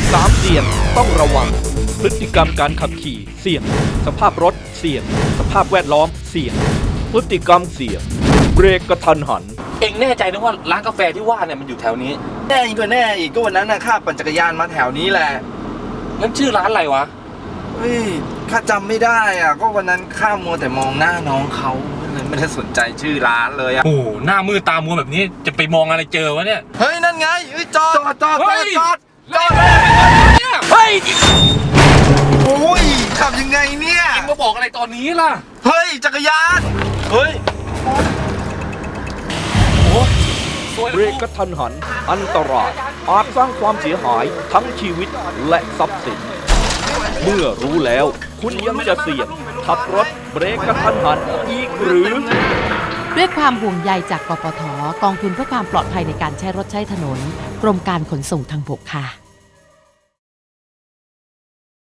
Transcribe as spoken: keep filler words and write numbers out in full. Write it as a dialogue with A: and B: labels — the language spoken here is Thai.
A: สามเสี่ยงต้องระวังพฤติกรรมการขับขี่เสี่ยงสภาพรถเสี่ยงสภาพแวดล้อมเสี่ยงพฤติกรรมเสี่ยงเบรกกระทันหัน
B: เอ็งแน่ใจนะว่าร้านกาแฟที่ว่าเนี่ยมันอยู่แถวนี้
C: แน่อีกก็แน่อีกก็วันนั้นนะข้าปั่นจักรยานมาแถวนี้แหละ
B: งั้นชื่อร้านอะไรวะ
C: เฮ้ยข้าจำไม่ได้อ่ะก็วันนั้นข้ามัวแต่มองหน้าน้องเขาเลยไม่ได้สนใจชื่อร้านเลยอ่ะ
B: โอ้หน้ามือตามัวแบบนี้จะไปมองอะไรเจอวะเนี่ย
C: เฮ้ยนั่นไงเฮ้ยจอดจอดจอดจอดจอดจอด
B: เฮ้ย
C: โอ้ยขับยังไงเนี่ย
B: เอ็งมาบอกอะไรตอนนี้ล่ะ
C: เฮ้ยจักรยานเฮ้ย
A: เบรกกระทันหันอันตรายอาจสร้างความเสียหายทั้งชีวิตและทรัพย์สินเมื่อรู้แล้วคุณยังจะเสี่ยงขับรถเบรกกระทันหันอีกหรือ
D: ด้วยความห่วงใยจากกปท.กองทุนเพื่อความปลอดภัยในการใช้รถใช้ถนนกรมการขนส่งทางบกค่ะ